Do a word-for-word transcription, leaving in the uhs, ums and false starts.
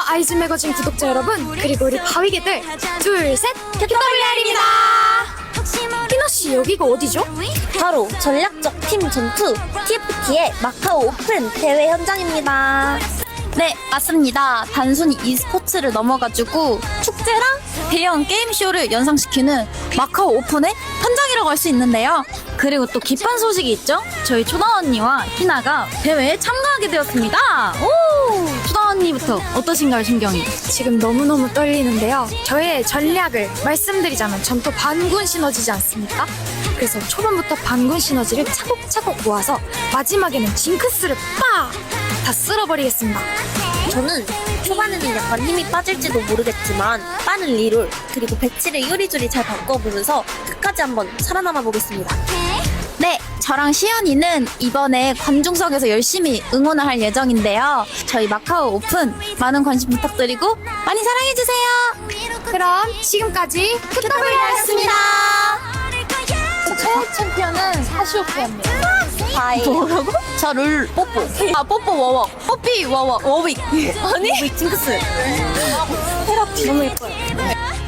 아이즈 매거진 구독자 여러분, 그리고 우리 바위개들, 둘, 셋, 큐더블유알입니다. 희나씨, 여기가 어디죠? 바로 전략적 팀 전투 티에프티의 마카오 오픈 대회 현장입니다. 네, 맞습니다. 단순히 e스포츠를 넘어가지고 축제랑 대형 게임쇼를 연상시키는 마카오 오픈의 현장이라고 할 수 있는데요. 그리고 또 기쁜 소식이 있죠? 저희 초다 언니와 희나가 대회에 참가하게 되었습니다. 오! 초다 언니부터 어떠신가요, 심경이? 지금 너무너무 떨리는데요. 저의 전략을 말씀드리자면 전 또 반군 시너지지 않습니까? 그래서 초반부터 반군 시너지를 차곡차곡 모아서 마지막에는 징크스를 빡! 다 쓸어버리겠습니다. 저는 초반에는 약간 힘이 빠질지도 모르겠지만 빠른 리롤 그리고 배치를 요리조리 잘 바꿔보면서 끝까지 한번 살아남아 보겠습니다. 네, 저랑 시연이는 이번에 관중석에서 열심히 응원을 할 예정인데요. 저희 마카오 오픈 많은 관심 부탁드리고 많이 사랑해주세요. 그럼 지금까지 큐더블유알이었습니다. 최애 챔피언은 사시오페입니다. 바이. 뭐라고? 저 룰 뽀뽀. 아 뽀뽀 워워. 뽀삐 워워. 워윅. 아니? 징크스. 테라피. 너무 예뻐요.